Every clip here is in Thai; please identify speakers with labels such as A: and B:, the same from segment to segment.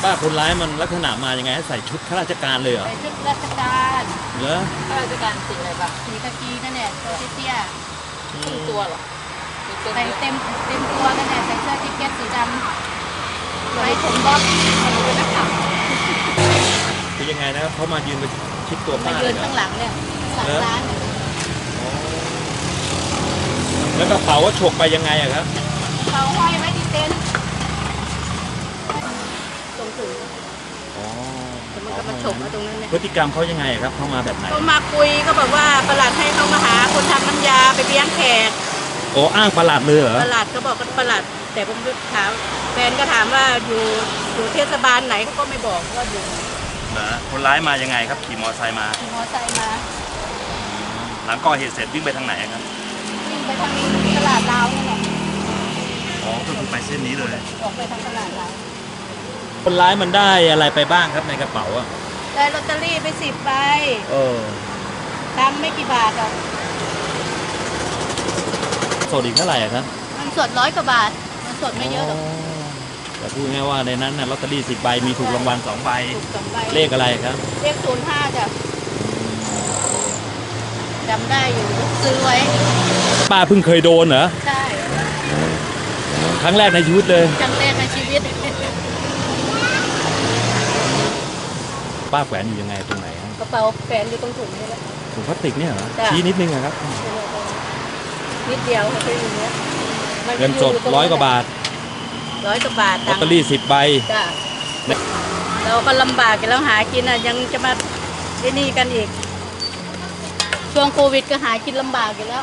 A: ป้าคนร้ายมันลักษณะมายังไงให้ใส่ชุดข้าราชการเลยเหรอ
B: ใส่ชุดราชการ
A: เหรอ
B: ข้าราชการสีอะไรบ้างสีกากีนั่นแหละตัวเตี้ยๆครึ่งตัวหรอใส่เต็มตัวนั่นแหละใส่เสื้อแจ็คเก็ตสีดำไว้ผมบ๊อบมาดูนักข่าว
A: คือยังไงนะครับเขามายืนไปชิดตัวป้า
B: มา
A: เล
B: ยื
A: ย
B: น
A: เหรอ
B: ข้างหลังเนี่ยหลังร้านเนี่ย
A: แล้วกระเป๋าว่าฉกไปยังไงอะครับ
B: เขาห้อยไว้ที่เต็นท์ตรงถึงมันก็มาฉกมาตรงนั้นเนี่ย
A: พฤติกรรมเขายังไงครับเข้ามาแบบไหน
B: เขามาคุยก็บอกว่าประหลัดให้เขามาหาคนทำน้ำยาไปเลี้ยงแขก
A: โอ้อ้างประหลัดเลยเหรอ
B: ประหลัดเขาบอกว่าประหลัดแต่ผมถามแฟนก็ถามว่าอยู่เทศบาลไหนเขาก็ไม่บอกว่าอยู่
A: นะคนร้ายมายังไงครับขี่มอเตอร์ไซค์มา
B: ขี่มอเตอร์ไซค์มา
A: หลังก่อเหตุเสร็จวิ่งไปทางไหนครับ
B: วิ่งไปทางตลาดลาวนี่แหละ
A: อ๋อก็คือไปเส้นนี้เลย
B: ออกไปทางตลาดลาว
A: คนร้ายมันได้อะไรไปบ้างครับในกระเป๋าอะ
B: ได้ลอตเตอรี่ไป10 ใบตังค์ไม่กี่บาทหรอก
A: สดอีกเท่าไหร่ครับ
B: มันสด100 กว่าบาทมันสดไม่เยอะหรอก
A: แต่พูดง่ายว่าในนั้นนะลอตเตอรี่10 ใบมีถูกรางวัล2 ใบเลขอะไรครับ
B: เลข05จ้ะจำได้อยู่ซื้อไว้
A: ป้าเพิ่งเคยโดนเหรอ
B: ใช่
A: ครั้งแรกในชีวิตเลย
B: ครั้งแรกในชีวิต
A: ป้าแขวนอยู่ยังไงตรงไหน
B: กระเป๋าแขวนอยู่ตรงถุงนี่แหละ
A: ถุงพลาสติกเนี่ยเหรอชี้นิดนึงครับ
B: นิดเดียวค่ะแค่อย่างเงี้ย
A: เงินสด100 กว่าบาท
B: 100 กว่าบาท
A: ลอตเตอรี่10 ใบ
B: เราก็ลำบากกันแล้วหากินยังจะมาได้นี่กันอีกช่วงโควิดก็หากินลำบากอยู่แล้ว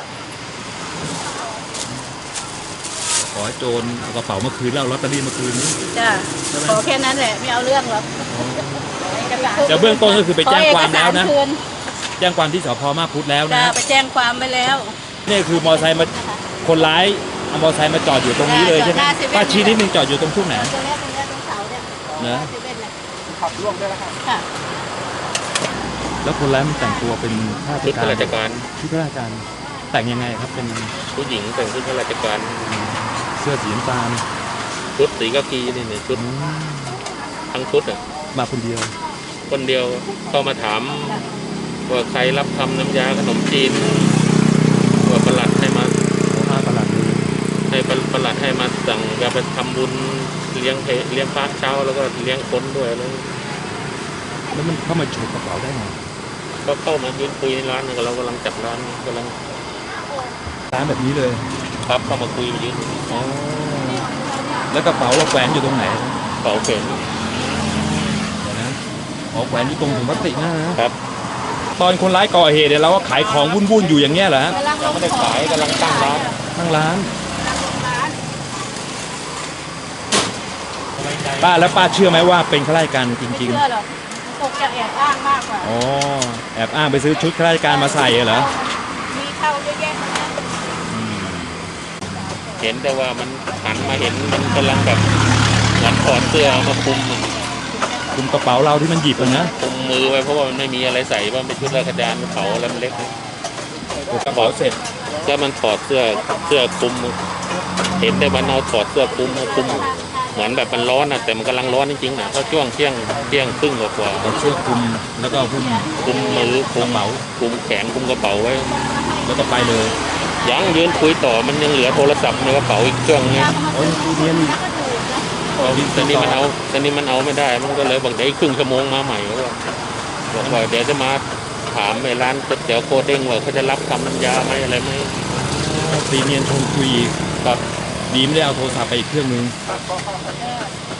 A: ขอให้โจรเอากระเป๋ามาคืนแล้วลอตเตอรี่มาคืนนี้
B: จ้ะขอแค่นั้นแหละไม่เอาเรื่องหรอก
A: แต่เบื้องต้นก็คือไปแจ้งความแล้วนะแจ้งความที่สพมาพุทธแล้วนะ
B: ไปแจ้งความไปแล้ว
A: นี่คือมอเตอร์ไซค์มาคนร้ายเอามอเตอร์ไซค์มาจอดอยู่ตรงนี้เลยใช่ไหมป้าชี้นิดนึงจอดอยู่ตรงช่วงไหน
B: ตรงนี้ตรงเสาเนี่ย
A: นะ
B: ขับร่วมได้แล้วค่ะ
A: แล้วคนร้ายมันแต่งตัวเป็น
C: ชุดข้าราชการ
A: ชุดข้าราชการแต่งยังไงครับเป็น
C: ผู้หญิงแต่งชุดข้าราชการ
A: เสื้อสีน้ำตาล
C: ชุดสีกากีนี่ชุดทั้งชุดอ่ะ
A: มาคนเดียว
C: ก็มาถามว่าใครรับทำน้ำยาขนมจีนว่าประหลัดให้มา
A: ประหลัด
C: ให้ประหลัดให้มาสั่งจะไปทำบุญเลี้ยงพระเช้าแล้วก็เลี้ยงคนด้วย
A: แล้วมันเข้ามาฉกกระเป๋าได้ไง
C: ก็เข้ามายืนคุยในร้านเรากำลังจับร้าน
A: แบบนี้เลย
C: ครับเข้ามาคุยยืน
A: แล้วกระเป๋าเราแขวนอยู่ตรงไหน
C: กระเป๋าแขวน
A: นะแขวนอยู่ตรงถุงพลาสติกนะครับตอนคนร้ายก่อเหตุเนี่ยเราก็ขายของวุ่นๆอยู่อย่างเงี้ยเหรอฮะ
C: ยังไม่ได้ขายกำลังตั้งร้
A: านป้าแล้วป้าเชื่อไหมว่าเป็นข้าราชการจริงๆ
B: เชื่อหรอกตกจะแอบอ้างมากกว่า
A: แอบอ้างไปซื้อชุดข้าราชการมาใส่เหรอ
B: มีเข้าเยอะแยะ
C: เห็นแต่ว่ามันหันมาเห็นมันกำลังแบบเหมือนถอดเสื้อมาคุม
A: กระเป๋าเราที่มันหยิบนะ
C: คุมมือไว้เพราะว่ามันไม่มีอะไรใส่ว่าเป็นชุดราชการกระเป๋าแล้วมันเล็ก
A: กระเป๋าเสร็จ
C: แล้วมันถอดเสื้อคุมเห็นแต่มันเอาถอดเสื้อคุมเหมือนแบบมันร้อนนะแต่มันกำลังร้อนจริงๆนะเพราะช่วงเที่ยงครึ่งกว่า
A: เสื้อคุมแล้วก็คุ
C: มมือคุมเป๋าคุมแขนคุมกระเป๋าไว้
A: แล้วก็ไปเลย
C: ยังยืนคุยต่อมันยังเหลือโทรศัพท์ในกระเป๋าอีกเครื่องนึงตอนนี้มันเอาไม่ได้มันก็เลยบอกเดี๋ยวครึ่งชั่วโมงมาใหม่บอกว่าเดี๋ยวจะมาถามในร้านก๋วยเตี๋ยวโคเด้งว่าเขาจะรับทำน้ำยาไหมอะไรไหม
A: ตีเนียนชมคุย
C: ครับ
A: ดีไม่ได้เอาโทรศัพท์ไปอีกเครื่องนึง